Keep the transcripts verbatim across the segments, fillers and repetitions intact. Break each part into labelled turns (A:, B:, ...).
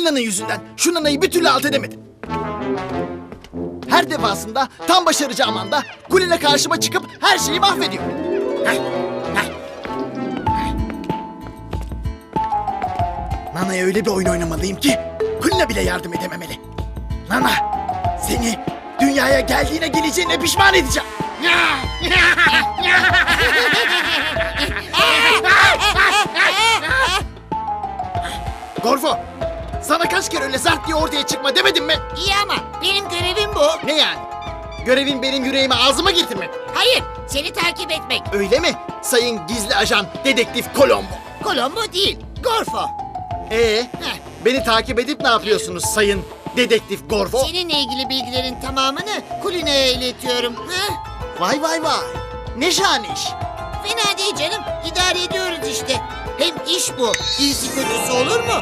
A: Kulina'nın yüzünden şu Nana'yı bir türlü alt edemedim. Her defasında tam başaracağım anda Kulina karşıma çıkıp her şeyi mahvediyor. Heh, heh. Nana'ya öyle bir oyun oynamalıyım ki Kulina bile yardım edememeli. Nana, seni dünyaya geldiğine geleceğine pişman edeceğim. Gorfo, sana kaç kere öyle zart diye ortaya çıkma demedim mi?
B: İyi ama benim görevim bu.
A: Ne yani? Görevin benim yüreğime ağzıma getirmek.
B: Hayır, seni takip etmek.
A: Öyle mi? Sayın gizli ajan dedektif Colombo.
B: Colombo değil, Gorfo.
A: Ee,
B: Heh.
A: beni takip edip ne yapıyorsunuz sayın dedektif Gorfo?
B: Seninle ilgili bilgilerin tamamını Kulina'ya iletiyorum. Heh.
A: Vay vay vay. Ne şahane iş.
B: Fena değil canım, idare ediyoruz işte. Hem iş bu, iyisi kötüsü olur mu?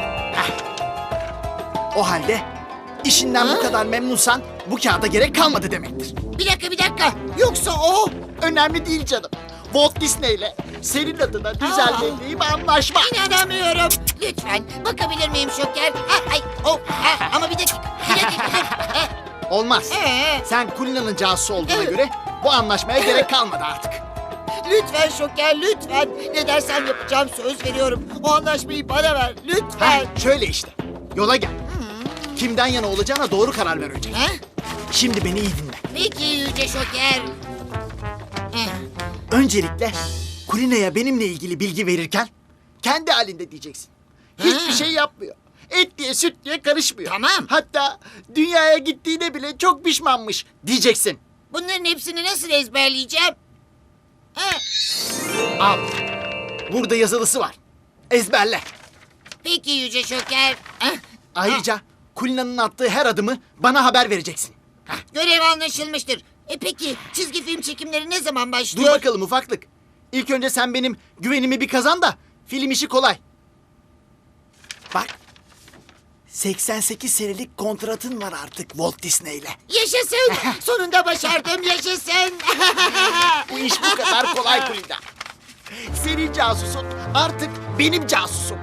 A: O halde işinden
B: Ha?
A: bu kadar memnunsan bu kağıda gerek kalmadı demektir.
B: Bir dakika, bir dakika. Yoksa o...
A: Önemli değil canım. Walt Disney'le senin adına düzenlediğim anlaşma.
B: İnanamıyorum. Lütfen bakabilir miyim Şoker? Ha, ay, oh, ha, ama bir dakika, bir dakika. Ha,
A: Olmaz.
B: ee,
A: Sen Kulina'nın casusu olduğuna
B: Evet.
A: göre bu anlaşmaya gerek kalmadı artık.
B: lütfen Şoker, lütfen. Ne dersen yapacağım, söz veriyorum. O anlaşmayı bana ver, lütfen.
A: Ha, şöyle işte. Yola gel. Kimden yana olacağına doğru karar ver önce.
B: Ha?
A: Şimdi beni iyi dinle.
B: Peki Yüce Şoker. Eh,
A: Öncelikle Kulina'ya benimle ilgili bilgi verirken kendi halinde diyeceksin. Hiçbir
B: Ha.
A: şey yapmıyor. Et diye süt diye karışmıyor.
B: Tamam.
A: Hatta dünyaya gittiğine bile çok pişmanmış diyeceksin.
B: Bunların hepsini nasıl ezberleyeceğim? Ha,
A: Al. Burada yazılısı var. Ezberle.
B: peki Yüce Şoker. Ah,
A: Ayrıca Kulina'nın attığı her adımı bana haber vereceksin.
B: görev anlaşılmıştır. E peki çizgi film çekimleri ne zaman
A: Dur
B: başlıyor?
A: bakalım ufaklık. İlk önce sen benim güvenimi bir kazan da film işi kolay. Bak. seksen sekiz senelik kontratın var artık Walt Disney'le.
B: Yaşasın. Sonunda başardım, yaşasın.
A: Bu iş bu kadar kolay Kulina. Senin casusun artık benim casusum.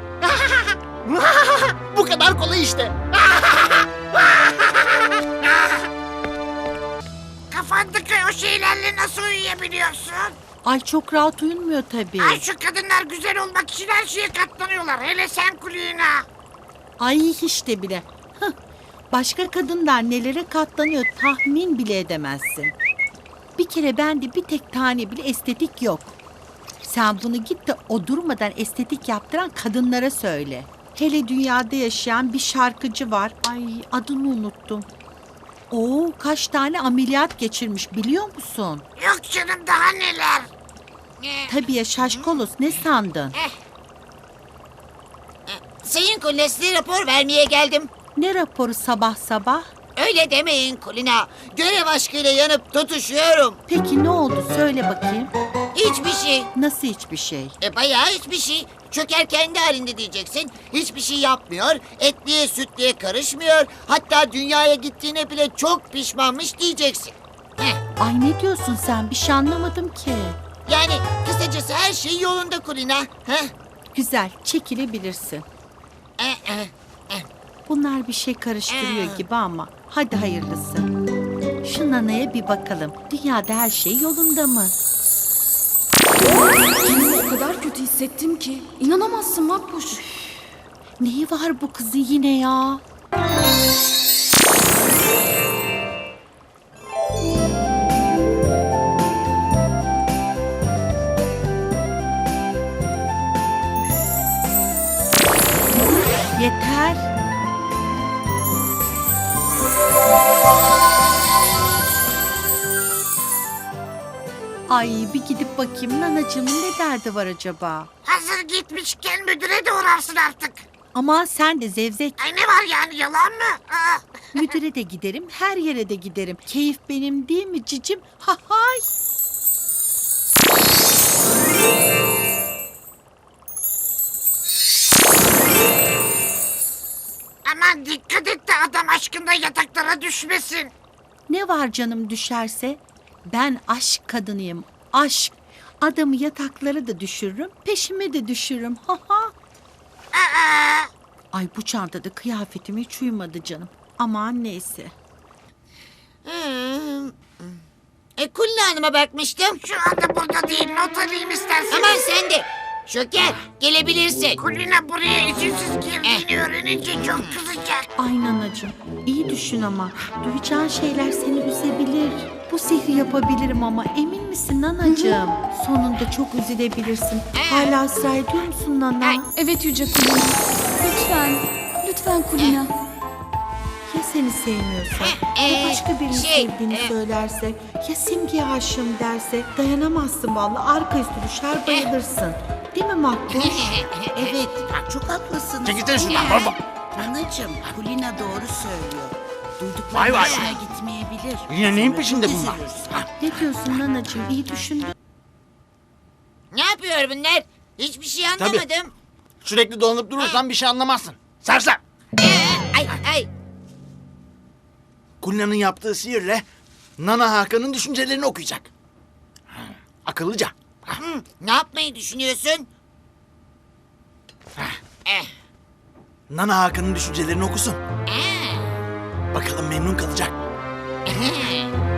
A: Bu kadar kolay işte.
C: Kafandaki o şeylerle nasıl uyuyabiliyorsun?
D: Ay çok rahat uyumuyor tabii.
C: Ay şu kadınlar güzel olmak için her şeye katlanıyorlar. Hele sen Kulina.
D: Ay hiç de bile. Hıh. Başka kadınlar nelere katlanıyor tahmin bile edemezsin. Bir kere bende bir tek tane bile estetik yok. Sen bunu git de o durmadan estetik yaptıran kadınlara söyle. Hele dünyada yaşayan bir şarkıcı var. Ay adını unuttum. Oo kaç tane ameliyat geçirmiş biliyor musun?
C: Yok canım daha neler.
B: Eh,
D: Tabii ya şaşkolos ne sandın?
B: Sayın Kulina, size rapor vermeye geldim.
D: Ne raporu sabah sabah?
B: Öyle demeyin Kulina. Görev aşkıyla yanıp tutuşuyorum.
D: Peki ne oldu söyle bakayım.
B: Hiçbir şey.
D: Nasıl hiçbir şey?
B: E bayağı hiçbir şey. Çöker kendi halinde diyeceksin. Hiçbir şey yapmıyor. Etliye sütliye karışmıyor. Hatta dünyaya gittiğine bile çok pişmanmış diyeceksin. Heh.
D: Ay ne diyorsun sen? Bir şey anlamadım ki.
B: Yani kısacası her şey yolunda Kulina. Heh.
D: Güzel, çekilebilirsin.
B: Eh, eh.
D: Bunlar bir şey karıştırıyor
B: Ee.
D: gibi ama hadi hayırlısı. Şu Nana'ya bir bakalım. Dünyada her şey yolunda mı?
E: Kendimi o kadar kötü hissettim ki. İnanamazsın Makbuş.
D: Neyi var bu kızın yine ya? Yeter. Ay bir gidip bakayım nanacığımın ne derdi var acaba?
C: Hazır gitmişken müdüre de uğrarsın artık.
D: Aman sen de zevzek.
C: Ay ne var yani yalan mı? Aa,
D: Müdüre de giderim, her yere de giderim. Keyif benim değil mi cicim? Ha hay.
C: aman dikkat et de adam aşkında yataklara düşmesin.
D: Ne var canım düşerse? Ben aşk kadınıyım, aşk. Adamı yataklara da düşürürüm, peşime de düşürürüm. Ha ha.
C: Aa,
D: Ay bu çantada kıyafetime hiç uymadı canım. Aman neyse.
B: Hmm. E, Kulina Hanım'a bakmıştım.
C: Şu anda burada değil. Not alayım isterseniz.
B: Aman sen de. Şoker gelebilirsin.
C: Kulina buraya izinsiz girdiğini öğrenince çok kızacak.
D: Ay nanacığım iyi düşün ama. Duyacağın şeyler seni üzebilir. Bu sihri yapabilirim ama emin misin nanacığım? Sonunda çok üzülebilirsin. Hala ısrar ediyor musun nana?
E: Evet Yüce Kulina. Lütfen. Lütfen Kulina.
D: Ya seni sevmiyorsa?
B: Ee,
D: Ya başka birini
B: şey,
D: sevdiğini
B: e-
D: söylerse? Ya Simge'ye aşığım derse? Dayanamazsın vallahi. Arka üstü düşer bayılırsın. Değil mi Makbuş?
F: Evet, çok haklısınız.
A: Çekilsene şuradan baba.
F: Nanacığım, Kulina doğru söylüyor. Duydukları
A: Vay vay
F: hoşuna
A: vay.
F: gitmeyebilir.
A: Yine neyin
F: Sonra
A: peşinde
F: çok
A: bunlar?
F: üzülürsün.
D: Ne diyorsun nanacığım? İyi düşün.
B: Ne yapıyor bunlar? Hiçbir şey anlamadım.
A: Sürekli dolanıp durursan bir şey anlamazsın. Sersem.
B: Ee, ay ay.
A: Kulina'nın yaptığı sihirle Nana Hakan'ın düşüncelerini okuyacak. Ha, akıllıca. Ha,
B: Hı, ne yapmayı düşünüyorsun? Eh,
A: Nana Hakan'ın düşüncelerini okusun.
B: eh,
A: Bakalım memnun kalacak.
B: eh.